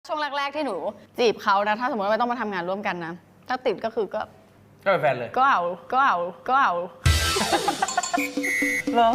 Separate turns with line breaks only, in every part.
ช่วงแรกๆที่หนูจีบเขานะถ้าสมมติว่าไม่ต้องมาทำงานร่วมกันนะถ้าติดก็คือก็
เป็นแฟนเลย
ก็เอา
เหรอ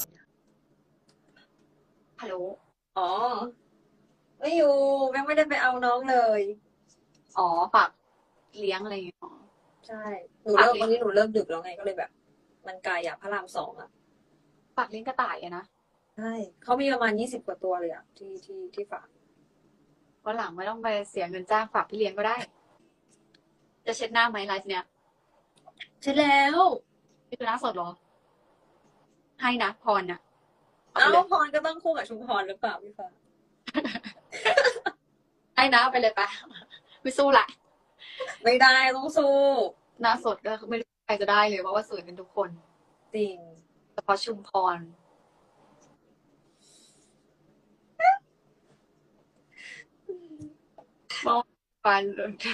ฮัลโหลอ๋อ ไม่อยู่แม่งไม่ได้ไปเอาน้องเลย
อ๋อฝากเลี้ยงอะไรอย่างเงี้ยอ๋อ
ใช่ หนูเริ่มวันนี้หนูเริ่มดึกแล้วไงก็เลยแบบ มันไกลอ่ะพระราม2อ่ะ
ฝากเลี้ยงกระต่ายอะนะ
ใช่เขามีประมาณ20กว่าตัวเลยอ่ะที่ฝาก
วันหลังไม่ต้องไปเสียเงินจ้างฝากพี่เลี้ยงก็ได้ จะเช็ดหน้าไหมไลฟ์เนี้ย
ใช่แล้ว
นี่คือหน้าสดเหรอ ให้นะพรน่ะ
เอ้าพรก็ต้องคู่กับชุมพรหรือเปล่าพี่ฟ้า
ให้นะเอาไปเลยปะไม่สู้ละ
ไม่ได้ต้องสู้
หน้าสดก็ไม่รู้ใครจะได้เลยเพราะว่าสวยกันทุกคน
จริง
เฉพาะชุมพรเมื่อวาน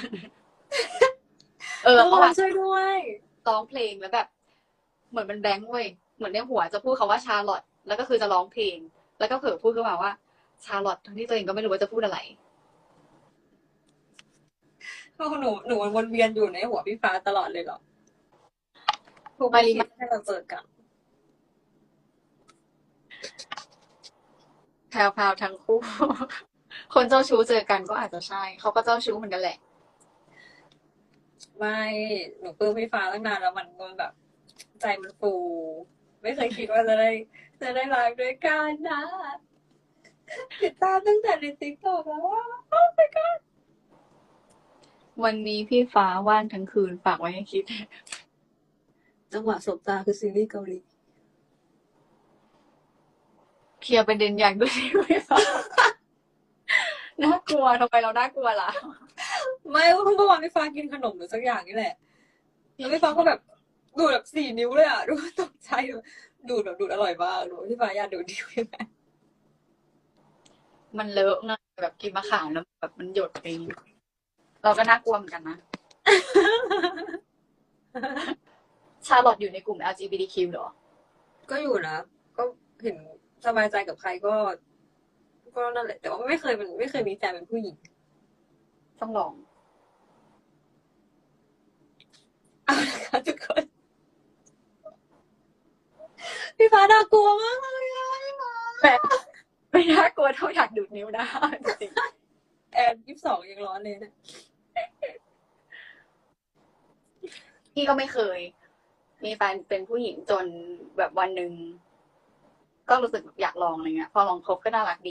ทุก
เมื่อ
ค
วาน น
ช่วยด้วย
ร้องเพลงแล้วแบบ เหมือนมันแบงค์เว้ยเหมือนในหัวจะพูดคาว่าชาร์ลอตแล้วก็คือจะร้องเพลง แล้วก็เผลอพูดขึ้นมาว่าชาร์ลอตทั้งที่ตัวเองก็ไม่รู้ว่าจะพูดอะไร
หนูมันวนเวียนอยู่ในหัวพี่ฟ้าตลอดเลยเหรอทุก
มารี
ทีให้เราเจอกัน
แพรวๆทั้งคู่ คนเจ้าชู้เจอกันก็อาจจะใช่ เขาก็เจ้าชู้เหมือนกันแหละ
ไม่หนูปลื้มพี่ฟ้าตั้งนานแล้วมันแบบ ใจมันฟู ไม่เคยคิดว่าจะได้ไลฟ์ด้วยกันนะติดตามตั้งแต่ในติ๊กต็อกแล้วว่า
วันนี้พี่ฟ้าว่างทั้งคืนฝากไว้ให้คิด
จังหวะสบตาคือซีรีส์เกาหลี
เคลียร์ประเด็นอย่างด้วยที่พี่ฟ้า น่ากลัวทำไมเราน่ากลัวล่ะ
ไม่เมื่อวานพี่ฟ้ากินขนมหรือสักอย่างนี่แหละแล้วพี่ฟ้าก็แบบดูดแบบ4 นิ้วเลยอ่ะดูตกใจดูดแบบดูดอร่อยมากดูพี่ฟ้าอยากดูดนิ้วยังไง
มันเลอะนะแบบกินมะขามแล้วแบบมันหยดไปเราก็น่ากลัวเหมือนกันนะ ชาร์ลอตอยู่ในกลุ่ม LGBTQ เหรอ
ก็อยู่นะก็เห็นสบายใจกับใครก็นั่นแหละ แต่ว่าไม่เคยมีแฟนเป็นผู้หญิง
ต้องลอง
เอาละค่ะทุกคน พี่ฟ้าน่ากลัวมากเลยอะพี่ฟ้า
แบบไม่น่ากลัวเท่าอยากดูดนิ้วนะจริง
แอน22ยังร้อนเลยนะ
ๆพี่ก็ไม่เคย มีแฟนเป็นผู้หญิงจนแบบวันหนึ่งก็รู้สึกอยากลองอะไรเงี้ย พอลองคบก็น่ารักดี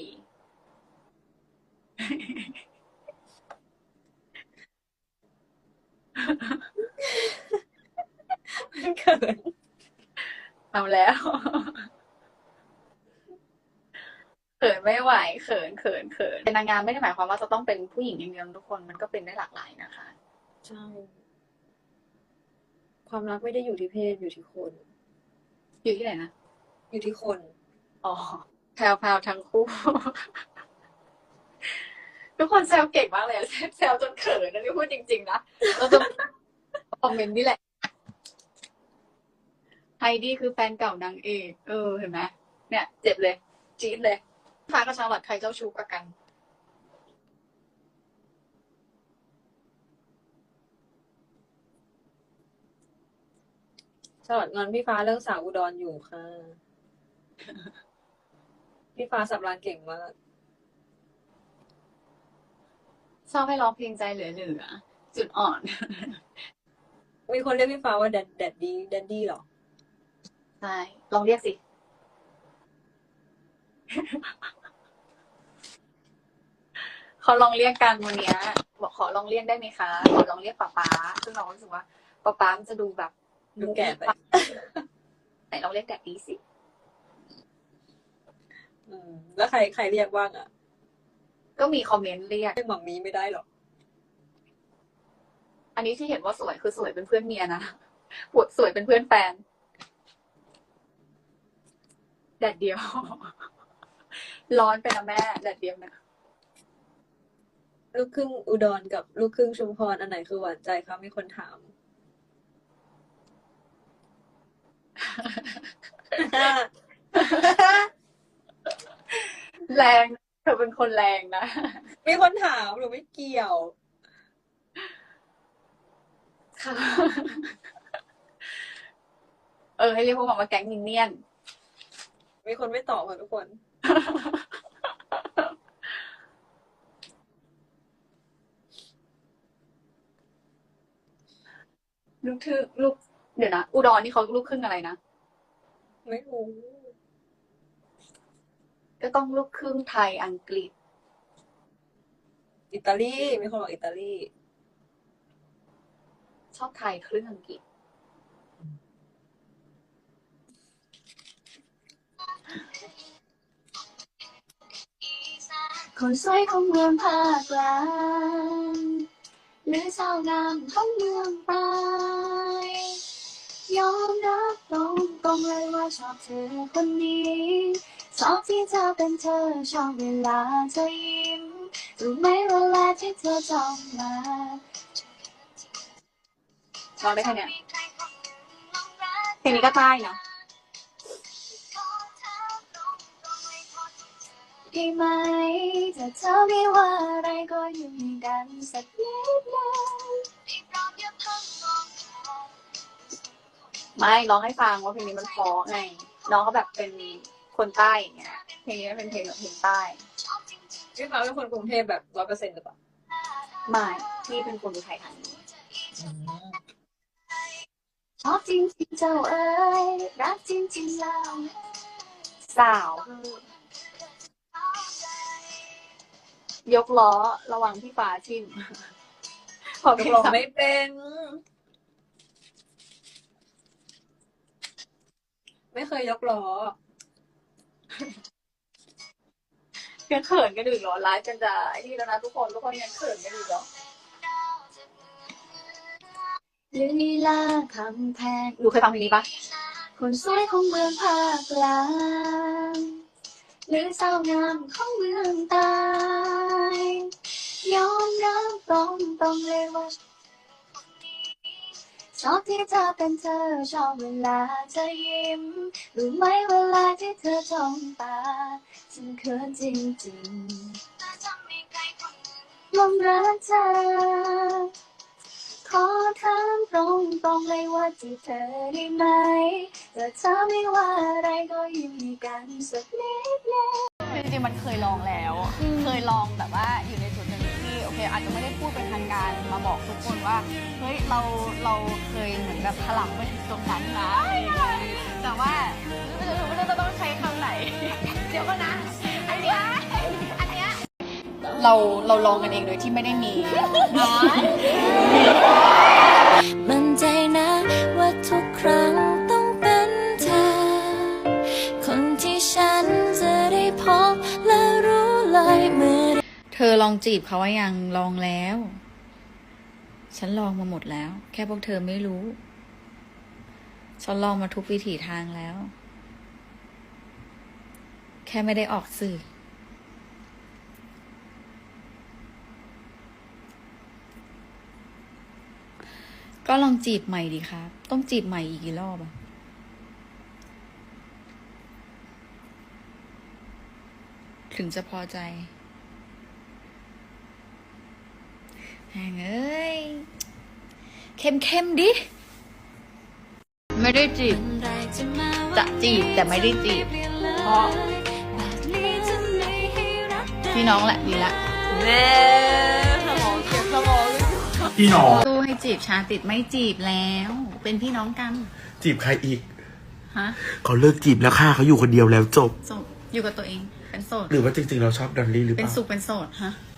มันเขิน
เอาแล้ว เขินไม่ไหวเขินเป็นนางงามไม่ได้หมายความว่าจะต้องเป็นผู้หญิงอย่างเดียวทุกคนมันก็เป็นได้หลากหลายนะคะ
ใช่ ความรักไม่ได้อยู่ที่เพศอยู่ที่คน
อยู่ที่ไหนนะ
อยู่ที่คน
อ๋อแพรวๆทั้งคู่ ทุกคนแซวเก่งมากเลยแซวจนเขินนะนี่พูดจริงๆนะเราจะคอมเมนต์นี่แหละไฮดี้คือแฟนเก่านางเอกเห็นไหมเนี่ยเจ็บเลยจี๊ดเลยฟ้ากับชาร์ลอตใครเจ้าชู้กว่ากัน
สลัดงอนพี่ฟ้าเรื่องสาวอุดรอยู่ค่ะ พี่ฟ้าสับรางเก่งมาก
ชอบให้ร้องเพลงใจเหลือๆจุดอ่อน
มีคนเรียกพี่ฟ้าว่าแดดดี้หรอ
ใช่ ลองเรียกสิ เขาลองเรียกกันวันเนี้ยบอกขอลองเรียกได้ไหมคะ ขอลองเรียกป๊าซึ่งเรารู้สึกว่าป๊ามันจะดูแบบ
ดูแก่ไป
ไหนลองเรียกแดดดีสิ
แล้วใครเรียกว่างอ่ะ
ก็มีคอมเมนต์เรียก
เรียกหม่อมมีไม่ได้หรอ
อันนี้ที่เห็นว่าสวยคือสวยเป็นเพื่อนเมียนะปวดสวยเป็นเพื่อนแฟน แดดเดียว ร้อนไปนะแม่แดดเดียวนะ
ลูกครึ่งอุดรกับลูกครึ่งชุมพรอันไหนคือหวานใจคะมีคนถาม
แรงเธอเป็นคนแรงนะ
มีคนถามหนูไม่เกี่ยว
ค่ะ ให้เรียกพวกมันว่าแก๊งมินเนี่ยน
มีคนไม่ตอบค่ะทุกคน
ลูกเดี๋ยวนะ อุดรนี่เขาลูกครึ่งอะไรนะ
ไม่รู้
ก็ต้องลูกครึ่งไทยอังกฤษ
อิตาลี มีคนบอกอิตาลี
ชอบไทยครึ่งอังกฤษ คนสวยของเมืองภาคกลางหรือสาวงามของเมืองใต้ยอมรับตรงเลยว่าชอบเธอคนนี้ชอบที่เธอเป็นเธอชอบเวลาเธอยิ้มรู้ไหมเวลาที่เธอจ้องมาร้องได้แค่เนี้ยเพลงนี้ก็ใต้นะได้ไหมถ้าเธอไม่ว่าอะไรก็อยู่กันสักนิดนึงไม่ร้องให้ฟังว่าเพลงนี้มันเพราะไงน้องเขาแบบเป็นคนใต้อย่างเงี้ยเพลงนี้มันเป็นเพลงแบบเพลงใต้
พี่ฟ้าเป็นคนกรุงเทพแบบ100%หรือเปล่า
ไม่ที่เป็นคนอุทัยธานีชอบจริงจริงเจ้าเอ๋ยรักจริงจริงเราสาวยกล้อระวังพี่ฟ้าทิ่มขอย
กลองไม่เป็น ไม่เคยยกล้อ
ยังเขินกันอยู่เหรอไลฟ์กันจะไอ้นี่แล้วนะทุกคนยังเขินกันอยู่เหรอลีลาคำแพงหนูเคยฟังเพลงนี้ปะคนสวยของเมืองภาคกลางหรือสาวงามของเมืองใต้ยอมรับตรงเลยว่าชอบที่เธอเป็นเธอชอบเวลาเธอยิ้มรู้ไหมเวลาที่เธอจ้องตาฉันเขินจริงๆลงรักเธอขอถามตรงเลยว่าจีบเธอได้ไหมแต่เธอไม่ว่าอะไรก็ยิ้มกันสักนิดนึง
คือจริงๆมันเคยลองแล้ว เคยลองแบบว่าอยู่ในจุดหนึ่งที่โอเคอาจจะไม่ได้พูดเป็นทางการมาบอกทุกคนว่าเฮ้ยเราเคยเหมือนแบบถลำไปถึงตรงนั้นนะแต่ว่าไม่รู้จะต้องใช้คำไหน เดี๋ยวก็นะอันเนี้ยเราลองกันเองโดยที่ไม่ได้มี
มั่นใจนะว่าทุกครั้งต้องเป็นเธอ คนที่ฉันจะได้พบและรู้เลยเมื่อ
เธอลองจีบเขาว่ายังลองแล้ว ฉันลองมาหมดแล้ว แค่พวกเธอไม่รู้ ฉันลองมาทุกวิถีทางแล้ว แค่ไม่ได้ออกสื่อ ก็ลองจีบใหม่ดีครับ ต้องจีบใหม่อีกกี่รอบอะถึงจะพอใจแหงเอ้ย เข้มดิ ไม่ได้จีบ จะจีบแต่ไม่ได้จีบ เพราะพี่น้องแหละดีละ
แม่สมองเก็บสมองเลย
พี่น้อง
สู้ให้จีบชาติดไม่จีบแล้ว เป็นพี่น้องกัน
จีบใครอีก
ฮะ
เขาเลิกจีบแล้วค่ะเขาอยู่คนเดียวแล้วจบ
โสดอยู่กับตัวเอง เป็นโสด
หรือว่าจริงๆเราชอบดอลลี่หรือเป
เป็น
ล่า
สุขเป็นโสดฮะ